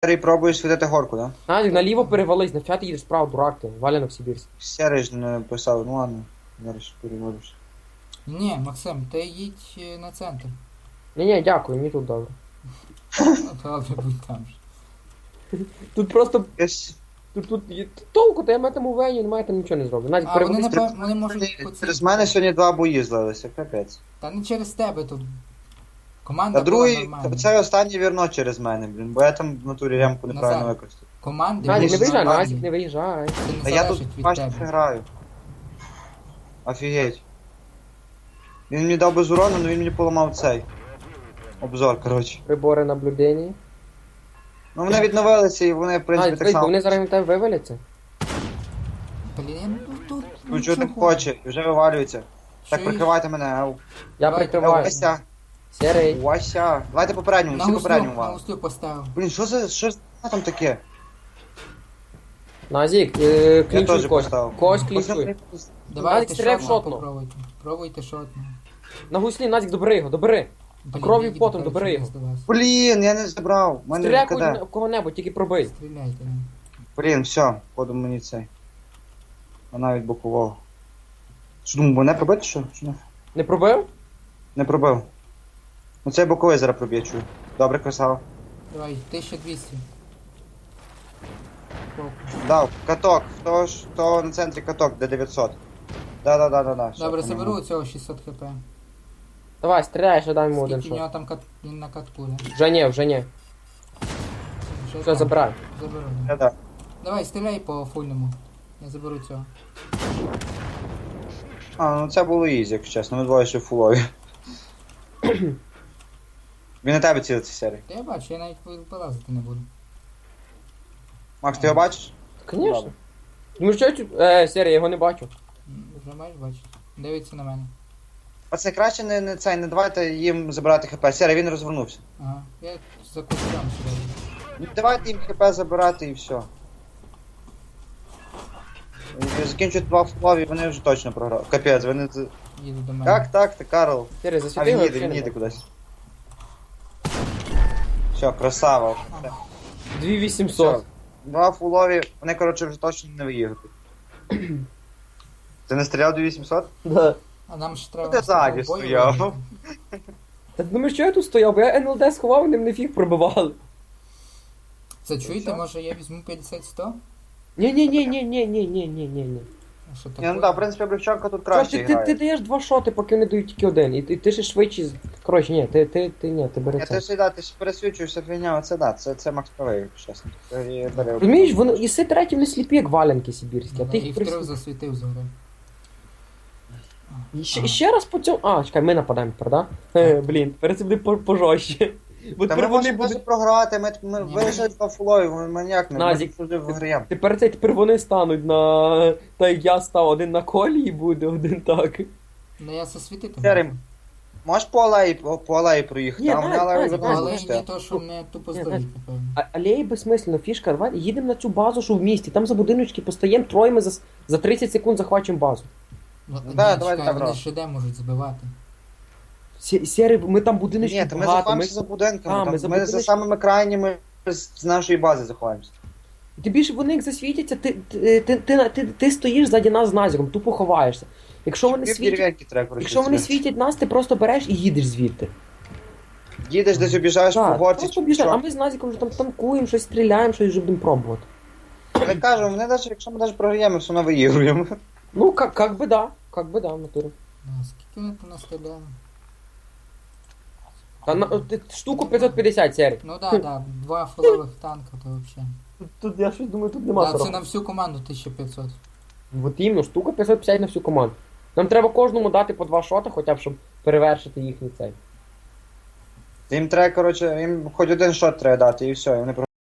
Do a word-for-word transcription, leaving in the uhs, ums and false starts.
Сірий, пробуєш світити горку, да? Назік, наліво перевались, на ти їдеш справа, дурак ти, валянок сибірський. Сірий ж не писав, ну ладно. Зараз переводиш. Ні, Максим, ти їдь е, на центр. Ні-ні, дякую, мені тут добре. Ну, добре, будь там ж. Тут просто, Ось. тут, тут, є- толку, то я метам у вені, немає там нічого не зроблю. Назік, А вони, перевались. напевно, вони можуть по цій- Через мене сьогодні два бої злилися, капець. Та не через тебе тут. Команда Та була другий, нормальна. це останній вірно через мене, блін, бо я там в натурі ремку неправильно Назар. використав. Команди Назік, не були виїжджай, нормальні. Назік, не виїжджай. Це не Та я тут залежить від бачиш тебе. граю. Офігеть. Він мені дав без урону, але він мені поламав цей. Обзор, коротше. Прибори наблюдення. Ну вони відновилися і вони, в принципі, Назік, так дивись, бо само. вони зараз на тебе виваляться. Блін, ну тут Ну чого не нічого. хоче, і вже вивалюється. Так, Що прикривайте мене, ау. Я Давай, прикриваю. Вася, Сірий. Вася. Давайте попередньому, На всі гуслю, попередньому на вам. гуслю поставив. Блін, що за, що за там таке? Назік, е, Я клінчуй теж когось. поставив. Когось Ось клінчуй. там- Давайте Назік, стріляй в шотно шотну. попробуйте. Пробуйте шотно. На гуслі, Назік, добери його, добери. Блін, Кров'ю я їду, потом коротше, добери його. десь до вас. Блін, я не забрав. У мене Стріляй КД. в кого-небудь, тільки пробий. Стріляйте. ну. Блін, все, походу мені цей. Вона від бокового. Що думаю, мене пробити що? Чи ні? Не пробив? Не пробив. Ну цей боковий зараз проб'є, чую. Добре, красава. Давай, тисяча двісті. Пробуй. Дав, каток. Хто ж, хто на центрі каток, де дев'ятсот. Да-да-да-да-да. все, Добре, поняв. заберу цього шістсот хп. Давай, стріляй, ще дай йому один Скільки в шот. нього там кат... він на катку, да? Вже ні, вже ні. Вже Все, там. забирай. Заберу, Да, да. да. Давай, стріляй по фульному. Я заберу цього. А, ну це було ізі, якщо чесно, ми двоє ще фулові. Він на тебе цілиться, серій. Та я бачу, я навіть вилазити не буду. Макс, ти його бачиш? Звісно. Добре. Ну що, цю- е, Сірий, я його не бачу. М, Вже маєш бачити. Дивиться на мене. Пацани, краще не, не цей, не давайте їм забирати хп. Серій, він розвернувся. Ага. Я за кустом сюди. Ну, давайте їм хп забирати і все. І закінчують два фулові, вони вже точно програли. Капець, вони... з- Їду до мене. Так, так, ти Карл. Сірий, А засвіти він його. їде, взагалі він не їде бачу. кудись. Все, красава. Все. дві вісімсот. Два фулові, вони, коротше, вже точно не виїдуть. Ти не стріляв дві вісімсот? Да. А нам ж треба... Ти ззаді з тобою стояв. виграти. Та ти думаєш, що я тут стояв, бо я ен ел де сховав, вони мене фіг пробивали. Це чуєте, що? може я візьму п'ятдесят сто? Ні-ні-ні-ні-ні-ні-ні-ні-ні. А що Ні, таке? ну так, в принципі, Облегчонка тут Що краще ти, ти, ти грає. даєш два шоти, поки вони дають тільки один. І ти, ти ще швидше. з- Коротше, ні, ти, ти, ти, ні, ти бери Я це. ти ж да, ти ж пересвічуєшся фігня, оце да, це, це Макс правий, якщо чесно. Це я беру. Розумієш, вони іси треті не сліпі, як валянки сибірські, а ти І їх втрьох прис... засвітив згори. І ще, і ще раз по цьому... А, чекай, ми нападаємо, правда? Е, блін, тепер це буде по- пожорстче. Бо Та ми тепер вони можемо будуть... навіть програти, ми, ми Ні, вирішили два фулові, ми маніяк, ми Назік, вже виграємо. Тепер це тепер вони стануть на... Та як я став, один на колі і буде, один так. Ну я засвітити. Серий, можу. можеш по алеї, по, по алеї проїхати? Ні, Там Назік, вони алею Назік, Ну, вже але почти. не то, що не тупо Ні, здоріти, напевно. А, алеї безсмислено, фішка, давай їдемо на цю базу, що в місті, там за будиночки постоїмо, троє ми за, за тридцять секунд захвачимо базу. Ну, Ну, ні, да, давай чекай, так, вони бро. ж іде можуть збивати. Сі- Сірий, ми там будиночки Ні, то ми багато, заховаємося за будинками, А, там, ми ми, за за, будиночки- самими крайніми з, з нашої бази заховаємося. Ти більше вони як засвітяться, ти, ти, ти, ти, ти, ти стоїш ззаді нас з Назіком, тупо ховаєшся. Якщо вони Пів світять, дерев'янки треба, коротше, якщо вони стріляти. світять нас, ти просто береш і їдеш звідти. Їдеш десь обіжаєш по Так, горці, просто чи біжать, а що. ми з Назіком вже там танкуємо, щось стріляємо, щось вже будемо пробувати. Я кажу, вони навіть, якщо ми навіть програємо, все одно виігруємо. Ну, как, как би да, как би да, в натурі. Ну, скільки вони там настріляли? Та на, ти- штуку п'ятсот п'ятдесят, Сірий. Ну да, да, два фулових танка, то взагалі. Тут, тут я щось думаю, тут нема Да, це сорок. на всю команду тисяча п'ятсот. От іменно, штука п'ятсот п'ятдесят на всю команду. Нам треба кожному дати по два шоти, хоча б, щоб перевершити їхній цей. Їм треба, коротше, їм хоч один шот треба дати і все, і вони